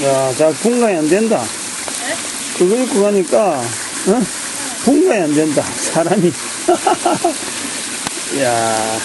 야, 자, 분간이 안 된다. 네? 그거 입고 가니까, 어? 분간이 안 된다. 사람이. 야.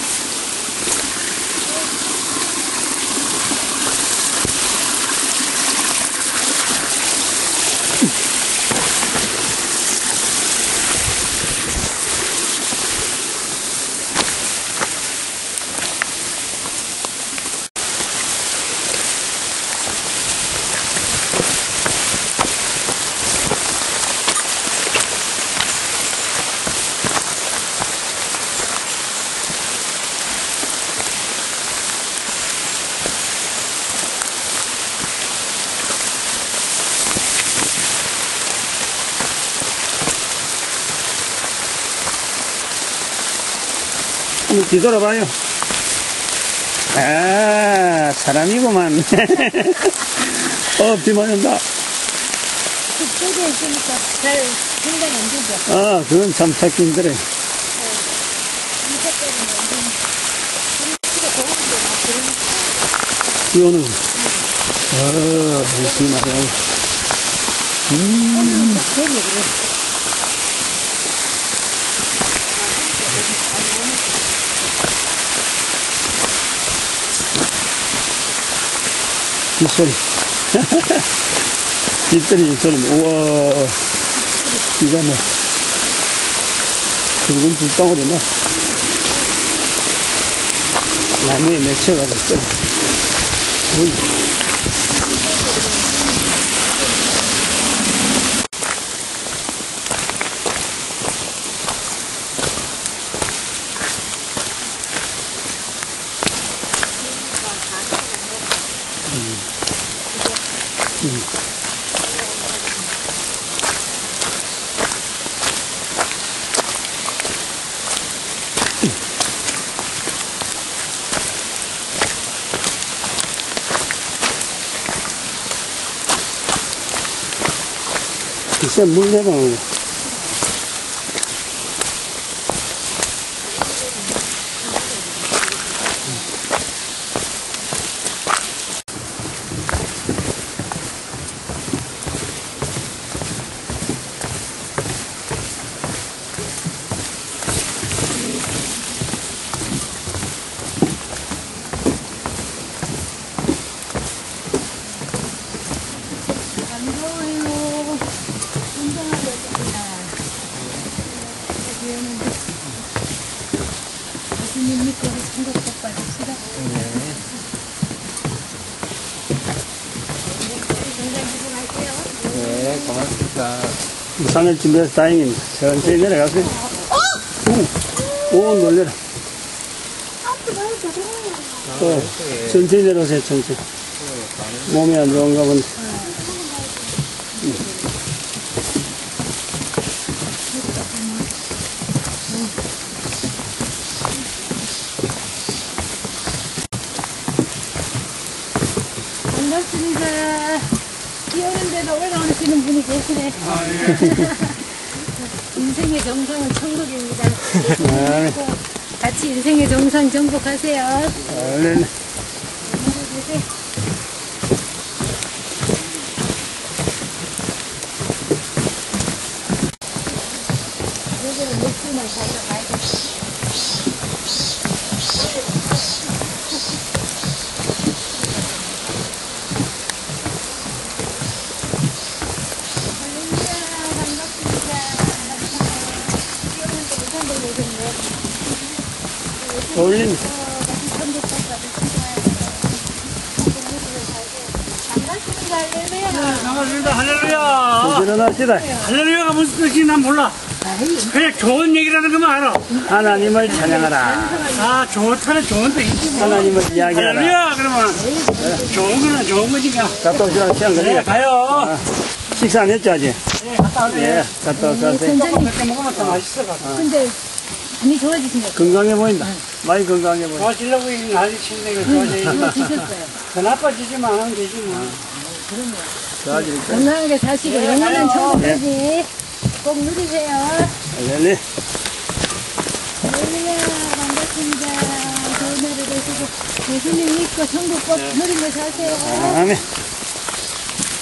한번 뒤돌아봐요. 아, 사람이구만. 비 맞는다. 그쪽에 있으니까 잘 생각이 안 되죠. 아, 그건 참 찾기 힘들어요. 이 색깔은 완전 날씨가 더운데 막 그러니까. 비 오는 거. 열심히 맞아요. 오늘은 딱 되게 그래. 빗소리. 빗소리, 빗소리. 우와. 비가 뭐, 붉은 불덩어리 뭐. 나무에 맺혀가지고 쏘리. 어이. 글쎄, 물 내려오는 거. 네, 고맙습니다. 우산을 준비해서 다행입니다. 천천히 내려가세요. 오, 놀래라. 천천히 내려오세요, 천천히. 몸이 안 좋은가 본데. 반갑습니다. 비 오는데도 올라오시는 분이 계시네. 인생의 정상은 천국입니다. 같이 인생의 정상 정복하세요. 네. 여기는 맥주만 가져가야겠다. 올린. 반갑습니다. 할렐루야. 일어납시다. 할렐루야가 무슨 뜻인지 난 몰라. 그냥 좋은 얘기라는 것만 알아. 하나님을 찬양하라. 아, 좋다는 좋은 뜻이지. 하나님을 이야기하라. 할렐루야. 그러면 좋은 거는 좋은 거니까. 갔다 오시라고 시간 네, 걸리겠다. 가요. 식사 안 했죠, 아직? 네, 갔다 오세요. 예, 갔다 오세요. 조금 몇개 먹으면 더 맛있어. 근데 많이 좋아지신 것 같아요. 건강해 보인다. 많이 건강해 보인다. 좋아지려고 이 난리 치는데 이거 좋아져야지. 드셨어요. 더 나빠지지만 하면 되지 뭐. 좋아질 거야. 건강하게 사시고 영원한 천국까지 꼭 누리세요. 네. 할렐루야, 반갑습니다. 좋은 하루 되시고 예수님 믿고 천국 꼭 누리며 사세요. 아멘.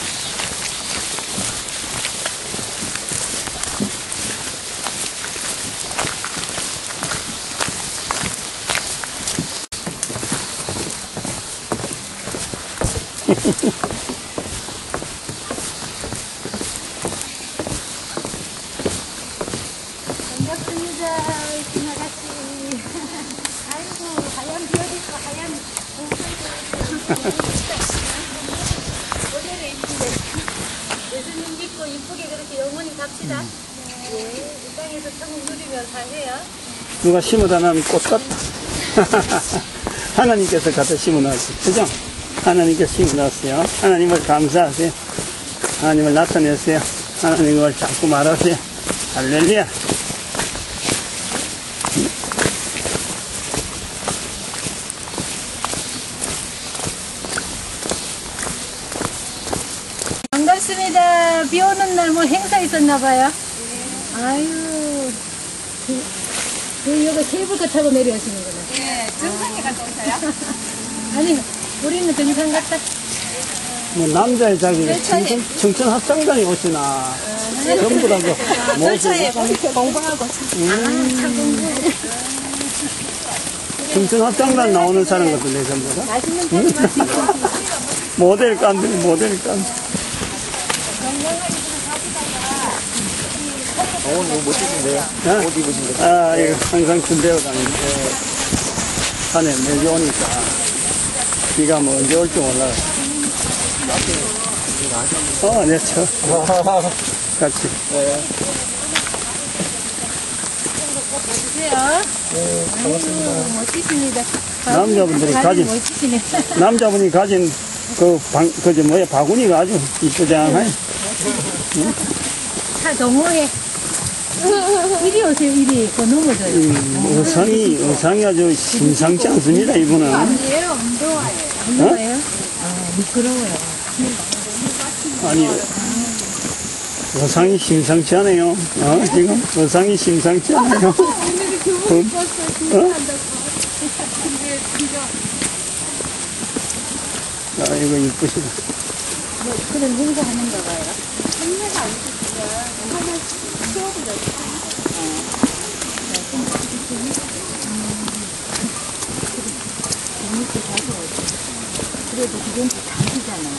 반갑습니다, 이쁜 아가씨. 아이고, 하얀 비어있고 하얀 모델에 있는데 예수님 믿고 이쁘게 그렇게 영원히 갑시다. 네, 이 땅에서 천국 누리며 사세요. 누가 심어다 놓은 꽃 같다. 하나님께서 갖다 심어놨어요. 그죠? 하나님께서 심어놨어요. 하나님을 감사하세요. 하나님을 나타내세요. 하나님을 자꾸 말하세요. 할렐루야. 반갑습니다. 비 오는 날 뭐 행사 있었나봐요. 아유, 여기 케이블카 타고 내려오시는 거네. 네, 정상에 갔다 오세요? 아니, 우리는 등산 갔다. 뭐 남자의 자기 청천 합창단이 오시나 전부 다 열차에 공부하고 청천 합창단 나오는 사람 같은데 전부 다 맛있는 거 마시고. 모델 깐들 모델 깐. 너무 멋지신데요? 옷 입으신 거. 아 이거 항상 군대에 다니는데 산에 매주 오니까 비가 뭐 언제 올지 몰라요. 네, 같이. 주세요. 네, 반갑습니다. 멋지십니다. 남자분들이 다리 가진, 멋지시네. 남자분이 가진 바구니가 아주 이쁘장하네. 차 동호회. 이리 오세요, 이리. 그거 넘어져요. 의상이 아주 심상치 않습니다, 이분은. 아니에요, 안 더워요. 안 더워요? 아, 미끄러워요. 아니, 의상이 심상치 않아요. 지금 의상이 심상치 않아요. 아, 이거 이쁘시다. 그런 행사하는가 봐요. 그래도 그건 장기잖아요.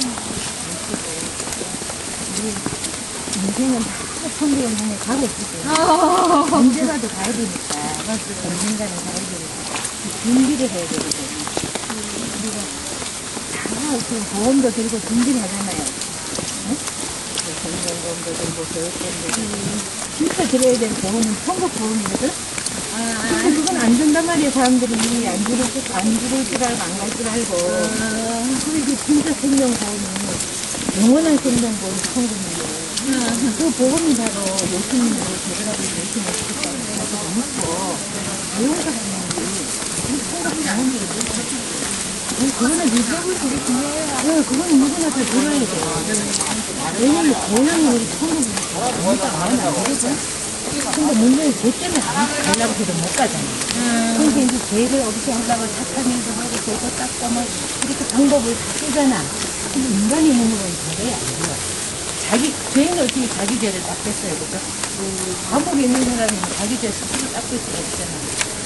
인생은 다 천국에 눈에 가고 있거든요. 언제라도 가야 되니까. 언젠가는 가야 되니까. 준비를 해야 되거든요. 우리가 다 지금 보험도 들고 준비를 하잖아요. 응? 건강보험도 들고 교육보험도 들고. 진짜 들어야 될 보험은 천국 보험이거든? 근데 그건 안 준단 말이에요. 사람들이 안 들을 줄 알고 안 갈 줄 알고. 그리고 진짜 생명보험이 영원한 생명보험이 천국인데. 그 보험이 바로 예수님으로 되더라도 예수님을 지켰다는 생각이 믿고 내용사 보험이 천국 보험이 그거는 믿음을 되게 중요해요. 그거는 누구나 다 들어야 돼요. 왜냐면 고향이 우리 천국이 진짜 마음에 안 들거든? 근데 문제는 죄 때문에 가려고 해도 못 가잖아. 그러니까 이제 죄를 없애하려고 사탄행도 하고 죄도 닦고 뭐 이렇게 방법을 다 쓰잖아. 근데 인간이 있는 건 도저히 안 돼요. 죄는 어떻게 자기 죄를 닦겠어요, 그죠? 감옥에 있는 사람이 자기 죄 스스로 닦을 수가 없잖아.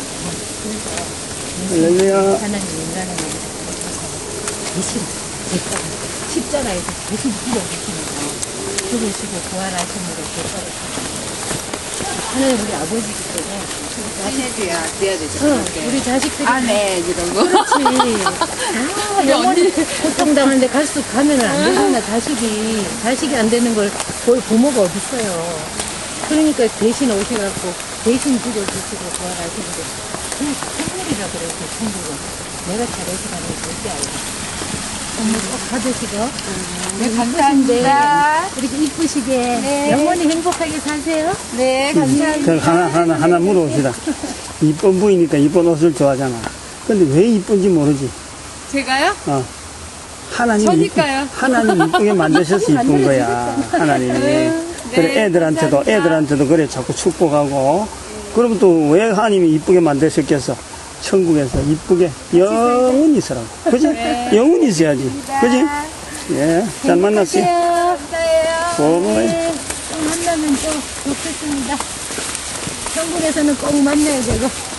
그래서 하나님 인간은 대신 십자가에서 대신 죽여주시는 거. 죽으시고 부활하심으로 대가를 하나님 우리 아버지기 때문에 해줘야 돼야 되죠. 우리 자식들이 아내 이런 거. 그렇지. 영원히 고통당하는데 갈수록 가면 안 되잖아. 자식이 안 되는 걸 볼 부모가 어딨어요. 그러니까 대신 오셔갖고 대신 죽여주시고 부활하시는데 그냥 선물이라 그래요. 그 천국은 내가 잘해서가는 거 절대 알고 선물 꼭 받으시고 네, 감사합니다. 이렇게 이쁘시게 네. 영원히 행복하게 사세요. 네, 감사합니다. 그럼 하나 물어봅시다. 이쁜 부이니까 이쁜 옷을 좋아하잖아. 근데 왜 이쁜지 모르지. 제가요? 하나님 이쁘게 만드셔서 이쁜 거야. 하나님이. 그래, 애들한테도 그래 자꾸 축복하고. 그러면 또 왜 하나님이 이쁘게 만드셨겠어? 천국에서 이쁘게 영원히 있으라고. 그지? 네. 영원히 있어야지. 그지? 예. 잘 만났어요. 감사해요. 고마워요. 네, 또 만나면 또 좋겠습니다. 천국에서는 꼭 만나야 되고.